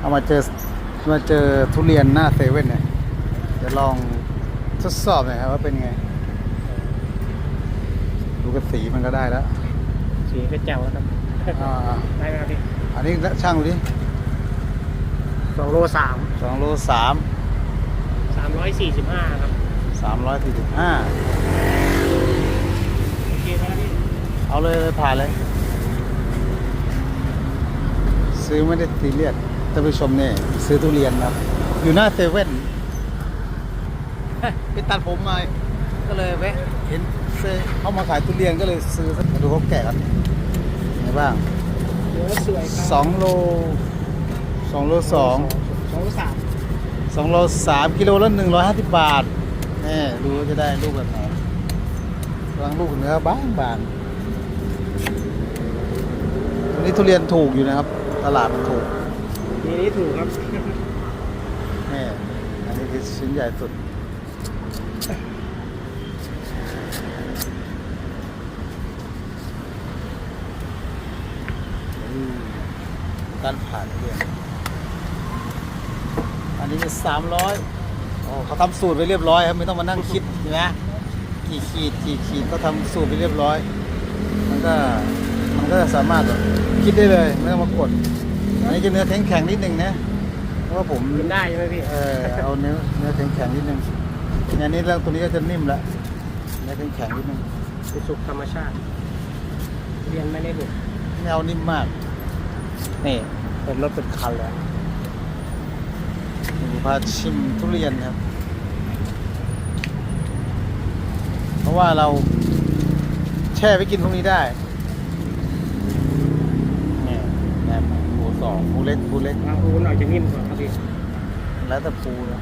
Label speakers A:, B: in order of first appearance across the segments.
A: เอามาเจอทุเรียนหน้าเซเว่นเนี่ยจะลองทดสอบหน่อยครับว่าเป็นไงดูกระสีมันก็ได้แล้ว
B: สีก็แจ๋วแล้วครับได้ไหมครับพี่
A: อันนี้ช่างดูดิ
B: 2 โล 3
A: 2 โล
B: 345ครับ
A: 345
B: โอเคครับพี่
A: เอาเลยผ่านเลยซื้อไม่ได้ซีเรียสท่านผู้ชมเนี่ยซื้อทุเรียนครับอยู่หน้าเซเว่นไปตัดผมมาก็เลยแวะเห็นเขามาขายทุเรียนก็เลยซื้อมาดูเขาแกะกันไงบ้าง
B: เนื้อสวยครับ
A: 2 โล 2 โล 2 โล 3 กิโลละ150 บาทนี่ดูจะได้ลูกแบบไหนบางลูกเนื้อบางวันนี้ทุเรียนถูกอยู่นะครับตลาดมันถูก
B: นี้ถูกครับ
A: นี่อันนี้คือชิ้นใหญ่สุดการผ่านเรียนอันนี้จะ300โอ้เขาทำสูตรไปเรียบร้อยครับไม่ต้องมานั่งคิดนะกี่ขีดก็ทำสูตรไปเรียบร้อยมันก็สามารถคิดได้เลยไม่ต้องมากดอันนี้จะเนื้อแข็งนิดนึงนะเพราะว่าผม
B: กินได้ใช่ไหมพี่
A: เอาเนื้อแข็งนิดนึงอันนี้แล้วตัวนี้ก็จะนิ่มละเนื้อแข็งนิดนึง
B: เป็นสุกธรรมชาติเรียนไม่ได้ดุ
A: ไม่เอานิ่มมากนี่เป็นรถเป็นคันเลยดูพาชิมทุเรียนครับเพราะว่าเราแช่ไว้กินพวกนี้ได้เนี่ยแบบปู2ปูเล็ก
B: ปูหน่อยจะนิ่มกว่าครับพี่
A: แล้วแต่ปูนะ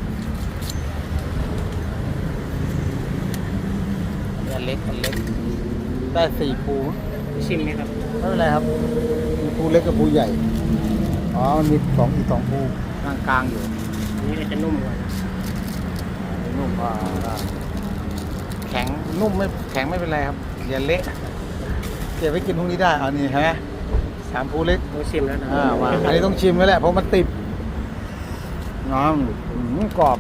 A: อันเล็กได้4 ปู
B: ชิมไหมครับ
A: ไม่เป็นไรครับมีปูเล็กกับปูใหญ่อ๋อมันมีอีก 2 ปูกลางอยู่
B: นี่จะนุ่มกว่า
A: นุ่มแข็งนุ่มไม่แข็งไม่เป็นไรครับอย่าเละเก็บไว้กินพรุ่งนี้ได้เอานี่ใช่ไหม3 ปูเล็ก
B: ต้องชิมแล้วนะ
A: ว่าอันนี้ต้องชิมแล้วแหละเพราะมันติดน้องกรอบ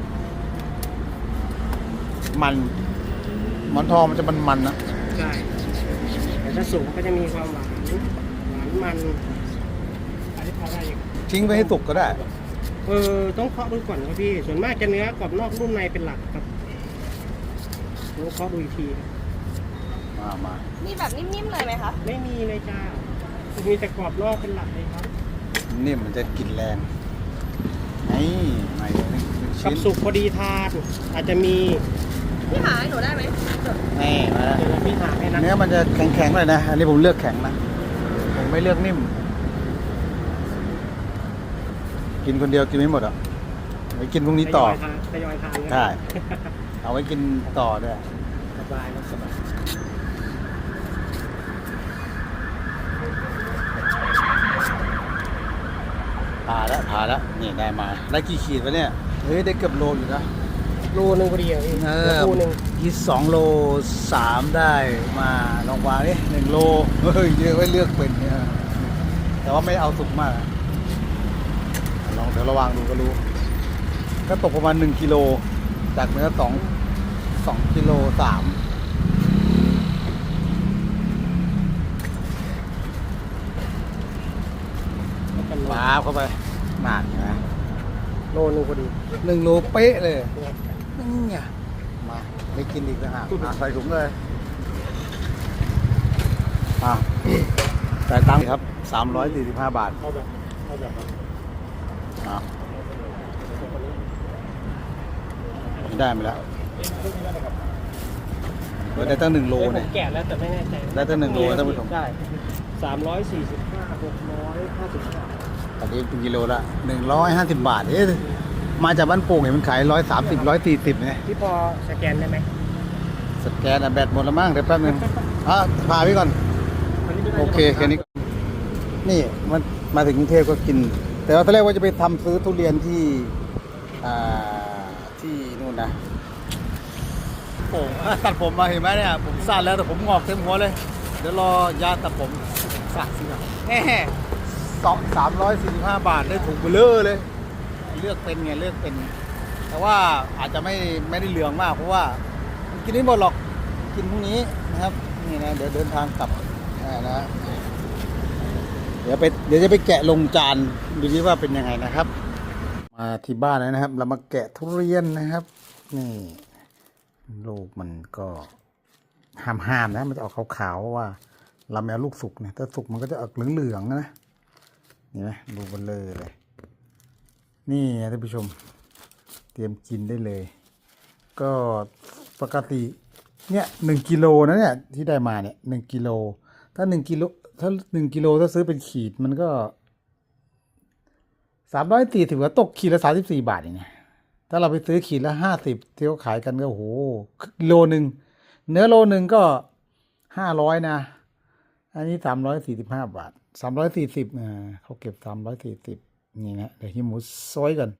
A: มันหมอนทองมันจะมันนะ
B: ใช่แต่ถ้าสุกก็จะมีความหวานมันอันนี้พอได้ยัง
A: ทิ้งไว้ให้สุกก็ได้
B: ต้องเคาะดูก่อนครับพี่ส่วนมากจะเนื้อกรอบนอกนุ่มในเป็นหลักครับต้องเคาะดูอีกที
A: มา
C: มีแบบนิ่มๆเลยไหมคะ
B: ไม่มีเลยจ้ามีแต่กรอบนอกเป็นหลักเลยครับ
A: นิ่มมันจะกลิ่นแรงนี่ไม่
B: กับสุกพอดีทานอาจจะมี
C: พี่หาให้หนูได้ไหม
A: นี่มาแล้ว
B: พี่หาให้นะ
A: เนื้อมันจะแข็งๆเลยนะอันนี้ผมเลือกแข็งนะผมไม่เลือกนิ่มกินคนเดียวกินไม่หมดอ่ะไว้กินพรุ่งนี้ต่อ
B: ทยอยทาน
A: ใช่เอาไว้กินต่อด้วย
B: สบายสบาย
A: ผ่าแล้วนี่ได้กี่ขีดวะเนี่ยเฮ้ยได้เกือบโลอยู่นะ
B: โลนึงพอดีพี่โลนึง
A: คิด2 โล 3ได้มาลองวางนี่1 โลเฮ้ยเยอะไว้เลือกเป็นเนี่ยแต่ว่าไม่เอาสุกมากลองเดี๋ยวระวังดูก็รู้ก็ตกประมาณ1 กิโลจากเนื้อ2 กิโล 3ว้าวเข้าไปนานนะ
B: โลนึงพอดี
A: 1 โลเป๊ะเลยนี่ไงมาไม่กินอีกนะฮะใส่ถุงเลยจ่ายตังค์ครับ345 บาทได้มาแล้วได้ตั้ง1 โลเนี่ย
B: แกะแล้วแต่ไม่แน่ใจ
A: ได้ตั้ง1 โลท่านผู้ชม
B: ได้345 655
A: ตอนนี้เป็นกิโลละ150 บาทมาจากบ้านโป่งเห็นมันขาย130 140ไง
B: ที่พอสแกนได้ไหม
A: สแกนแบตหมดแล้วมั้งเดี๋ยวแป๊บนึงพาพี่ก่อนโอเคแค่นี้นี่มันมาถึงกรุงเทพก็กินแต่ว่าตอนแรกว่าจะไปซื้อทุเรียนที่นู่นนะโป่งตัดผมมาเห็นไหมเนี่ยผมสั้นแล้วแต่ผมงอกเต็มหัวเลยเดี๋ยวรอยาตัดผมสระสิครับ 345 บาทได้ถูกเบลอเลย เลือกเป็นไงเลือกเป็น แต่ว่าอาจจะไม่ได้เหลืองมากเพราะว่ากินไม่หมดหรอกกินพรุ่งนี้นะครับนี่นะเดี๋ยวเดินทางกลับนะเดี๋ยวจะไปแกะลงจานดูดิว่าเป็นยังไงนะครับ มาที่บ้านแล้วนะครับ เรามาแกะทุเรียนนะครับ นี่ลูกมันก็ห้ามนะมันจะออกขาวๆว่าเราไม่เอาลูกสุกเนี่ยถ้าสุกมันก็จะออกเหลืองๆนะนี่ไหมดูมันเลยนี่ท่านผู้ชมเตรียมกินได้เลย ก็ปกติเนี่ย1 กิโลนะเนี่ยที่ได้มาเนี่ย1 กิโลถ้า1 กิโลถ้าซื้อเป็นขีดมันก็340ก็ตกขีดละ34 บาทอย่างเงี้ยถ้าเราไปซื้อขีดละ50ที่เขาขายกันก็โอ้โหโลนึงเนื้อโลนึงก็500นะอันนี้345 บาท340เขาเก็บ340นี่นะเดี๋ยวหิมหมูซอยกัน